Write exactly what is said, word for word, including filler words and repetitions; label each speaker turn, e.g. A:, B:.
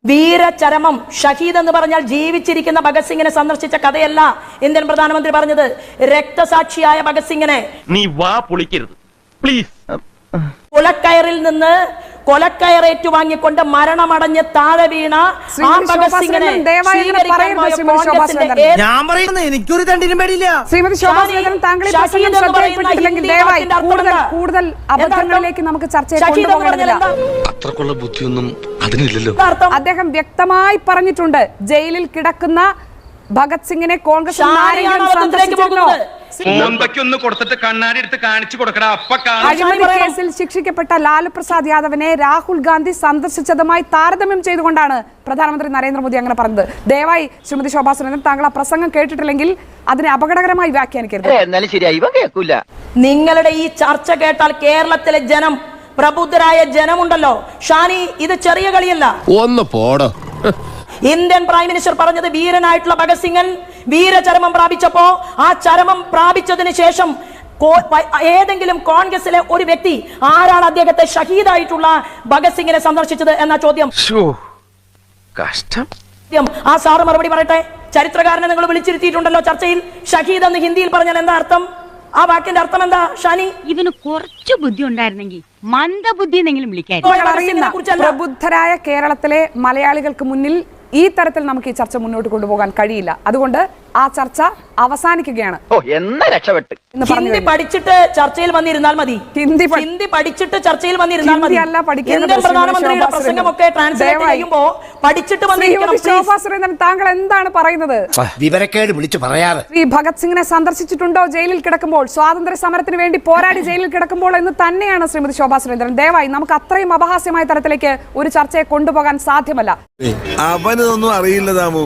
A: വീരചരമം ഷഹീദ് എന്ന് പറഞ്ഞാൽ ജീവിച്ചിരിക്കുന്ന ഭഗത് സിംഗിനെ സന്ദർശിച്ച കഥയല്ല ഇന്ത്യൻ പ്രധാനമന്ത്രി പറഞ്ഞത്. രക്തസാക്ഷിയായ ഭഗത് സിംഗിനെ
B: നീ വാ പൊളിക്കരുത് പ്ലീസ്.
A: കൊലക്കയറിൽ നിന്ന് കൊലക്കയറേറ്റു വാങ്ങിക്കൊണ്ട് മരണമടഞ്ഞ് താഴെ വീണ ആ ഭഗത് സിംഗിനെ
C: ഞാൻ പറയുന്നത് എനിക്കൊരു തണ്ടിനും പേടിയില്ല.
D: ശ്രീമതി ശോഭാ സുരേന്ദ്രൻ, താങ്കൾ ഈ പ്രസംഗം ശ്രദ്ധയിൽപ്പെട്ടിട്ടില്ലെങ്കിൽ ദയവായി കൂടുതൽ കൂടുതൽ അബദ്ധങ്ങളിലേക്ക് നമുക്ക് ചർച്ചയെ കൊണ്ടുപോകേണ്ടതില്ല.
E: അത്രക്കുള്ള ബുദ്ധിയൊന്നും അതിനില്ലല്ലോ.
D: അദ്ദേഹം വ്യക്തമായി പറഞ്ഞിട്ടുണ്ട്, ജയിലിൽ കിടക്കുന്ന ഭഗത് സിംഗിനെ കോൺഗ്രസ്
B: കൊടുത്തിട്ട് കണ്ണാടി എടുത്ത് കാണിച്ചു കൊടുക്കടാ.
D: അഴിമതി കേസിൽ ശിക്ഷിക്കപ്പെട്ട ലാലു പ്രസാദ് യാദവിനെ രാഹുൽ ഗാന്ധി സന്ദർശിച്ചതുമായി താരതമ്യം ചെയ്തുകൊണ്ടാണ് പ്രധാനമന്ത്രി നരേന്ദ്രമോദി അങ്ങനെ പറഞ്ഞത്. ദയവായി ശ്രീമതി ശോഭാ സുരേന്ദ്രൻ, താങ്കൾ ആ പ്രസംഗം കേട്ടിട്ടില്ലെങ്കിൽ അതിനെ അപകടകരമായി വ്യാഖ്യാനിക്കരുത്.
A: നിങ്ങളുടെ ഈ ചർച്ച കേട്ടാൽ കേരളത്തിലെ ജനം, പ്രബുദ്ധരായ ജനമുണ്ടല്ലോ ഷാനി, ഇത് ചെറിയ കളിയല്ല.
E: ഒന്ന് പോടോ.
A: ഇന്ത്യൻ പ്രൈം മിനിസ്റ്റർ പറഞ്ഞത് വീരനായിട്ടുള്ള ഭഗത് സിംഗൻ വീരചരമം പ്രാപിച്ചപ്പോ ആ ചരമം പ്രാപിച്ചതിന് ശേഷം ഏതെങ്കിലും കോൺഗ്രസിലെ ഒരു വ്യക്തി ആരാണ് അദ്ദേഹത്തെ ഷഹീദായിട്ടുള്ള ഭഗത് സിംഗിനെ സന്ദർശിച്ചത് എന്ന ചോദ്യം.
E: കഷ്ടം.
A: ആ സാറ് മറുപടി പറയട്ടെ. ചരിത്രകാരനെ നിങ്ങൾ വിളിച്ചിരുത്തിയിട്ടുണ്ടല്ലോ ചർച്ചയിൽ. ഷഹീദ് എന്ന് ഹിന്ദിയിൽ പറഞ്ഞാൽ എന്താ അർത്ഥം? ആ വാക്കിന്റെ അർത്ഥം എന്താ ഷാനി?
F: ഇവന് കുറച്ചു ബുദ്ധി ഉണ്ടായിരുന്നെങ്കിൽ മന്ദബുദ്ധി എന്നെങ്കിലും വിളിക്കാൻ.
D: പ്രബുദ്ധരായ കേരളത്തിലെ മലയാളികൾക്ക് മുന്നിൽ ഈ തരത്തിൽ നമുക്ക് ഈ ചർച്ച മുന്നോട്ട് കൊണ്ടുപോകാൻ കഴിയില്ല. അതുകൊണ്ട് ആ ചർച്ച അവസാനിക്കുകയാണ്.
A: ഹിന്ദി പഠിച്ചിട്ട് ചർച്ചയിൽ വന്നിരുന്നാൽ മതി.
D: ഹിന്ദി
A: ഹിന്ദി പഠിച്ചിട്ട് ചർച്ചയിൽ വന്നിരുന്നാൽ മതി. ഇന്ത്യൻ പ്രധാനമന്ത്രിയുടെ പ്രസംഗമൊക്കെ ട്രാൻസ്ലേറ്റ് ചെയ്യുമ്പോൾ പഠിച്ചിട്ട്
D: ശോഭാ സുരേന്ദ്രൻ, താങ്കൾ എന്താണ് പറയുന്നത്?
C: വിവരക്കേട് വിളിച്ചു പറയാതെ.
D: ഈ ഭഗത് സിംഗിനെ സന്ദർശിച്ചിട്ടുണ്ടോ ജയിലിൽ കിടക്കുമ്പോൾ, സ്വാതന്ത്ര്യ സമരത്തിന് വേണ്ടി പോരാടി ജയിലിൽ കിടക്കുമ്പോൾ എന്ന് തന്നെയാണ് ശ്രീമതി ശോഭാ സുരേന്ദ്രൻ. ദയവായി നമുക്ക് അത്രയും അപഹാസ്യമായ തരത്തിലേക്ക് ഒരു ചർച്ചയെ കൊണ്ടുപോകാൻ സാധ്യമല്ല.
G: അവനൊന്നും അറിയില്ല താമോ.